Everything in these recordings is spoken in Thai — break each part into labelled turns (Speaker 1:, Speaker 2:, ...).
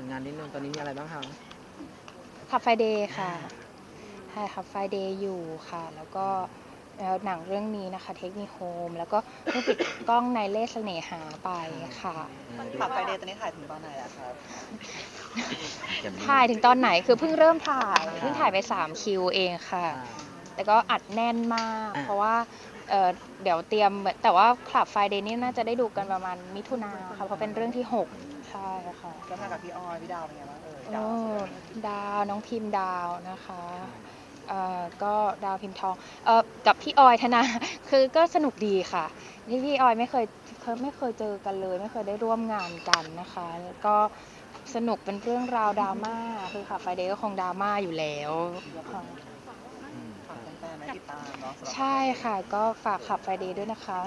Speaker 1: งานนิดนึงตอนนี้มีอะไรบ้างคะ
Speaker 2: ขับไฟเดย์ค่ะถ่ายขับไฟเดย์อยู่ค่ะแล้วก็หนังเรื่องนี้นะคะเทคนิคโฮมแล้วก็เพิ่งปิดกล้องในเล่ห์เสน่หาไปค่ะ
Speaker 3: ขับไฟเดย์ตอนนี้ถ่ายถึงตอนไหนแล้วครับ
Speaker 2: ถ่ายถึงตอนไหนคือเพิ่งเริ่มถ่ายไป3คิวเองค่ะ แต่ก็อัดแน่นมาก เพราะว่าเดี๋ยวเตรียมแต่ว่าคลับไฟเดย์นี่น่าจะได้ดูกันประมาณมิถุนาค่ะเพราะเป็นเรื่องที่6ใช่ค่ะ
Speaker 3: แล้วมากับพี่ออยพี่ดาวเป็นไงบ้างดาว
Speaker 2: ดาวน้องพิมพ์ดาวนะคะก็ดาวพิมพ์ทองกับพี่ออยธนา คือก็สนุกดีค่ะที่พี่ออยไม่เคยเจอกันเลยไม่เคยได้ร่วมงานกันนะคะแล้วก็สนุกเป็นเรื่องราวดราม่าคือค่ะไฟเดย์ก็คงดราม่าอยู่แล้วค่ะ
Speaker 3: ฝากแฟนๆนะติดตามเนาะสำหรับ
Speaker 2: ใช่ค่ะก็ฝากขับไฟเดย์ด้วยนะคะ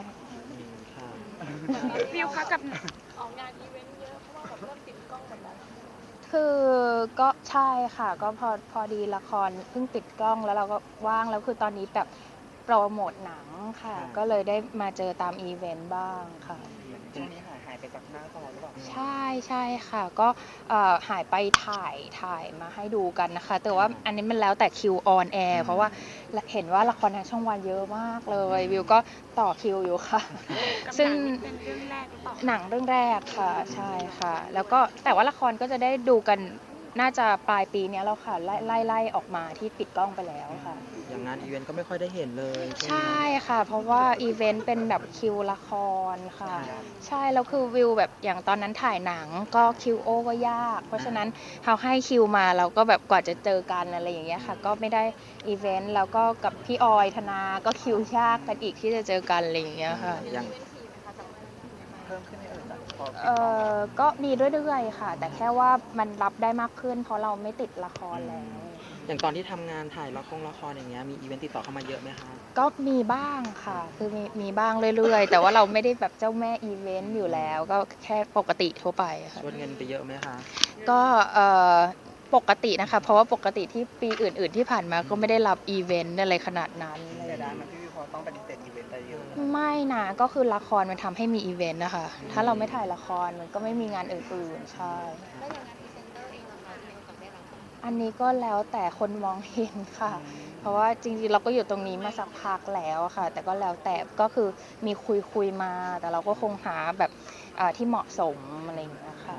Speaker 4: วิวคะกับออกงานอีเวนต์เยอะเพราะว่าแบบเริ่มติดกล้องหมดแล้ว
Speaker 2: คือก็ใช่ค่ะก็พอดีละครเพิ่งปิดกล้องแล้วเราก็ว่างแล้วคือตอนนี้แบบโปรโมทหนังค่ะก็เลยได้มาเจอตามอีเวนต์บ้างค่ะ
Speaker 3: ช่วงนี้หายไปจากหน้าจอหรือเปล่า
Speaker 2: ใช่ค่ะก็หายไปถ่ายมาให้ดูกันนะคะแต่ว่าอันนี้มันแล้วแต่คิวออนแอร์เพราะว่าเห็นว่าละครทางช่องวันเยอะมากเลยวิวก็ต่อคิวอยู่ค่ะ ซึ่ง
Speaker 4: เป็นเรื่องแรกหรือเปล่า
Speaker 2: หนังเรื่องแรกค่ะใช่ค่ะแล้วก็แต่ว่าละครก็จะได้ดูกันน่าจะปลายปีนี้แล้วค่ะไล่ออกมาที่ปิดกล้องไปแล้วค่ะ
Speaker 1: อย่างงานอีเวนต์ก็ไม่ค่อยได้เห็นเลยช่วง
Speaker 2: ใช่
Speaker 1: นี้
Speaker 2: ค่ะเพราะว่าอีเวนต์เป็นแบบคิวละครค่ะใช่แล้วคือวิวแบบอย่างตอนนั้นถ่ายหนังก็คิวโอก็ยากเพราะฉะนั้นเขาให้คิวมาเราก็แบบกว่าจะเจอกันอะไรอย่างเงี้ยค่ะก็ไม่ได้อีเวนต์แล้วก็กับพี่ออยธนาก็คิวยากกันอีกที่จะเจอกันอะไรอย่างเงี้ยค่ะ
Speaker 1: อย่าง
Speaker 3: เพิ่มขึ้นไหมจากพอปิด
Speaker 2: เอก
Speaker 3: ล้องแล้ว
Speaker 2: ก็มีเรื่อยๆค่ะ แต่แค่ว่ามันรับได้มากขึ้นเพราะเราไม่ติดละครแล้ว
Speaker 1: อย่างตอนที่ทำงานถ่ายละครอย่างเงี้ยมีอีเวนต์ติดต่อเข้ามาเยอะไหมคะ
Speaker 2: ก็มีบ้างค่ะ คือมีบ้างเรื่อยๆ แต่ว่าเราไม่ได้แบบเจ้าแม่อีเวนต์อยู่แล้ว ก็แค่ปกติทั่วไปค่ะ
Speaker 1: ชวนเงินไปเยอะไหมคะ
Speaker 2: ก็ปกตินะคะ เพราะว่าปกติที่ปีอื่นๆที่ผ่านมาก็ไม่ได้รับอีเวนต์อะไรขนาดนั้น
Speaker 3: เสียดายมันพี่วิวพอต้องปฏิเสธอีเวนต์ไปเยอะ
Speaker 2: ไม่นะก็คือละครมันทำให้มีอีเวนต์นะคะ ถ้าเราไม่ถ่ายละครมันก็ไม่มีงานอื่นๆ ใช่
Speaker 4: แล้วอย่างงานพรีเซนเตอร์เองล่ะคะมีโอกาสได้รับไหม
Speaker 2: อันนี้ก็แล้วแต่คนมองเห็นค่ะ เพราะว่าจริงๆเราก็อยู่ตรงนี้มาสักพักแล้วอะค่ะ แต่ก็แล้วแต่ก็คือมีคุยมา แต่เราก็คงหาแบบที่เหมาะสมอะไรอย่างเงี้ยค่ะ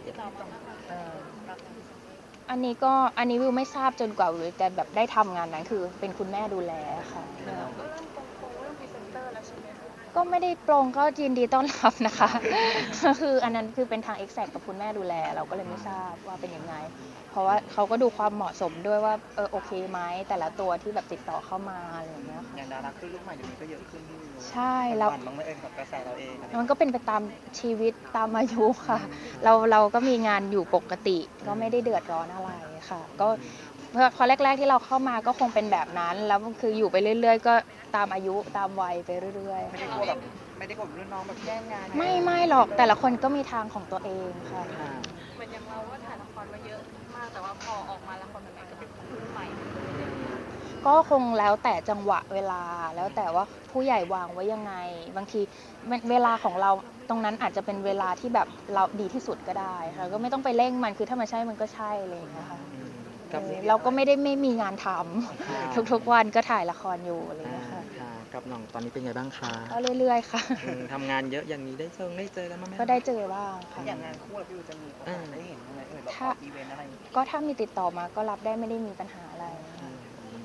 Speaker 2: อันนี้วิวไม่ทราบจนกว่าวิวจะแบบได้ทำงานนั้นคือเป็นคุณแม่ดูแลค่ะ
Speaker 4: ก็เริ่มโปรงเรื่องพรีเซนเตอร์แล้วใช่ไหมคะ
Speaker 2: ก็ไม่ได้โปรงก็ยินดีต้อนรับนะคะ คืออันนั้นคือเป็นทาง exact กับคุณแม่ดูแลเราก็เลยไม่ทราบว่าเป็นยังไง เพราะว่าเขาก็ดูความเหมาะสมด้วยว่าโอเคไหมแต่ละตัวที่แบบติดต่อเข้ามาอะไรอย่างเงี้ยค่ะ
Speaker 3: อย่างดาราขึ้นลูกใหม่เดี๋ยวนี้ก็เยอะขึ้นพี่วิว
Speaker 2: ใช่แล้ว
Speaker 3: มันบ้างไหมกับกระแสเราเองอะไร
Speaker 2: มันก็เป็นไปตามชีวิตตามอายุค่ะ เราก็มีงานอยู่ปกติก็ไม่ได้เดือดร้อนอะไรค่ะ ก็พอแรกๆที่เราเข้ามาก็คงเป็นแบบนั้น แล้วคืออยู่ไปเรื่อยๆ ก็ตามอายุตามวัยไปเรื่อย
Speaker 3: ไม่ได้กลัวแบบไม่ได้กลัวรุ่นน้องแบบแย่งงาน
Speaker 2: ๆไม่หรอกแต่ละคนก็มีทางของตัวเองค่ะ
Speaker 4: เหมือนอย่างเราก็ถ่ายละครมาเยอะมากแต่ว่าพอออกมาละครใหม่ๆก็เป็นคนรุ่นใหม่
Speaker 2: ก็คงแล้วแต่จังหวะเวลาแล้วแต่ว่าผู้ใหญ่วางไว้ยังไง บางทีเวลาของเราตรงนั้นอาจจะเป็นเวลาที่แบบเราดีที่สุดก็ได้ค่ะก็ไม่ต้องไปเร่งมันคือถ้ามันใช่มันก็ใช่อะไรอย่างเงี้ยค่ะ
Speaker 1: กับ
Speaker 2: เราก็ไม่มีงานทำทุกๆวันก็ถ่ายละครอยู่อะไรอย่างเงี้ยค่ะ
Speaker 1: ค่ะกับน้องตอนนี้เป็นไงบ้างคะ
Speaker 2: ก็เรื่อยๆค่ะ
Speaker 1: ทำงานเยอะอย่างนี้ได้เจอกันบ้างไหม
Speaker 2: ก็ได้เจอบ้างค่ะ
Speaker 3: อย่างงานคู่พี่วิวจะมีโอกาสได้เห็นบ้างไหมแบบออกอีเวนต์อะไร
Speaker 2: ก็ถ้ามีติดต่อมาก็รับได้ไม่ได้มีปัญหาอะไร
Speaker 1: อืม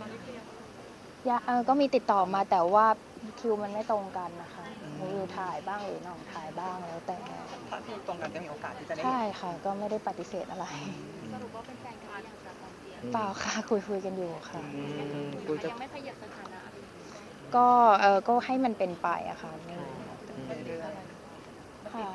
Speaker 2: ก็มีติดต่อมาแต่ว่าคิวมันไม่ตรงกันนะคะวิวถ่ายบ้างหรือน้องถ่ายบ้างแล้วแต่
Speaker 3: ถ้าที่ตรงกันก็มีโอกาสที่จะได้
Speaker 2: ใช่ค่ะก็ไม่ได้ปฏิเสธอะไร
Speaker 4: สรุปว่าเป็นแฟนกันหรือยังคะตอนนี้
Speaker 2: เปล่าค่ะคุยกันอยู่ค่ะ
Speaker 1: คุยจะ
Speaker 4: ยังไม่ขยับสถานะอะไร
Speaker 2: ก็ให้มันเป็นไปอะค่ะไม่
Speaker 3: เรื่อย
Speaker 2: ค่ะ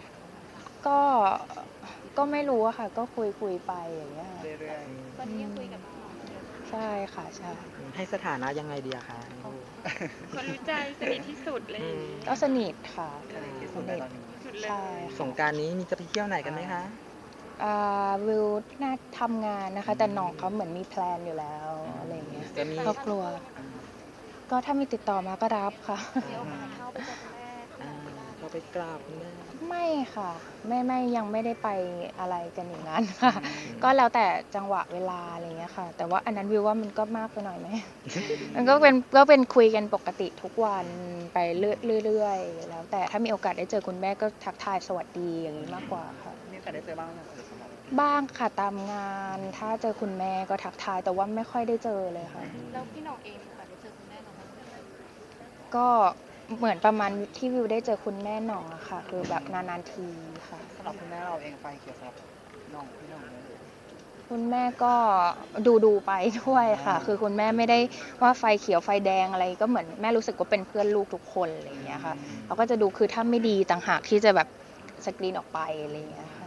Speaker 2: ก็ไม่รู้อะค่ะ ก็คุยไปอย่างเงี้ยค่ะ
Speaker 3: ๆเรื่อย
Speaker 4: ตอนนี้ยังคุยกับน้อง
Speaker 2: ใช่ค่ะใช่
Speaker 1: ให้สถานะยังไงดีอะคะ
Speaker 4: คนรู้ใจสนิทที่สุดเลย
Speaker 2: ก็สนิทค่ะ
Speaker 3: ๆที่สุดในตอนนี้
Speaker 4: สุดเลย
Speaker 2: ใช่
Speaker 1: สงกรารนี้มีจะไปเที่ยวไหนกันไหมคะ
Speaker 2: วิวน่าทำงานนะคะ แต่น้องเขาเหมือนมีแพลนอยู่แล้วอะไรอย่างเงี้ย
Speaker 1: จะมี
Speaker 2: ครอบครัว ก็ถ้ามีติดต่อมาก็รับค่ะ
Speaker 4: เดี๋ยวมาเข้าไปเจอคุณแม่
Speaker 1: อ่าก็เราไปกราบคุณแม่
Speaker 2: ไม่ค่ะไม่ยังไม่ได้ไปอะไรกันอย่างนั้นค่ะ ก็แล้วแต่จังหวะเวลาอะไรเงี้ยค่ะ แต่ว่าอันนั้นวิวว่ามันก็มากไปหน่อยไหม มันก็เป็นคุยกันปกติทุกวันไปเรื่อยๆแล้วแต่ถ้ามีโอกาสได้เจอคุณแม่ก็ทักทายสวัสดีอย่างนี้มากกว่าค่ะ
Speaker 3: มีโอกาสได้เจอบ้างไหมสำหรับ
Speaker 2: บ้างค่ะตามงานถ้าเจอคุณแม่ก็ทักทายแต่ว่าไม่ค่อยได้เจอเลยค่ะ
Speaker 4: แล้วพี่หน้องเองมีโอกาสได้เจอคุณแม่น้องบ้างไหม
Speaker 2: ก็เหมือนประมาณที่วิวได้เจอคุณแม่หน่องอะค่ะ คือแบบนานๆทีค่ะ
Speaker 3: สำหรับคุณแม่เราเองไฟเขียวสำหรับน้องพี่น้องเลย
Speaker 2: คุณแม่ก็ดูไปด้วยค่ะ คือคุณแม่ไม่ได้ว่าไฟเขียวไฟแดงอะไรก็เหมือนแม่รู้สึกว่าเป็นเพื่อนลูกทุกคนอะไรอย่างเงี้ยค่ะเขาก็จะดูคือถ้าไม่ดีต่างหากที่จะแบบสกรีนออกไปอะไรอย่างเงี้ยค่ะ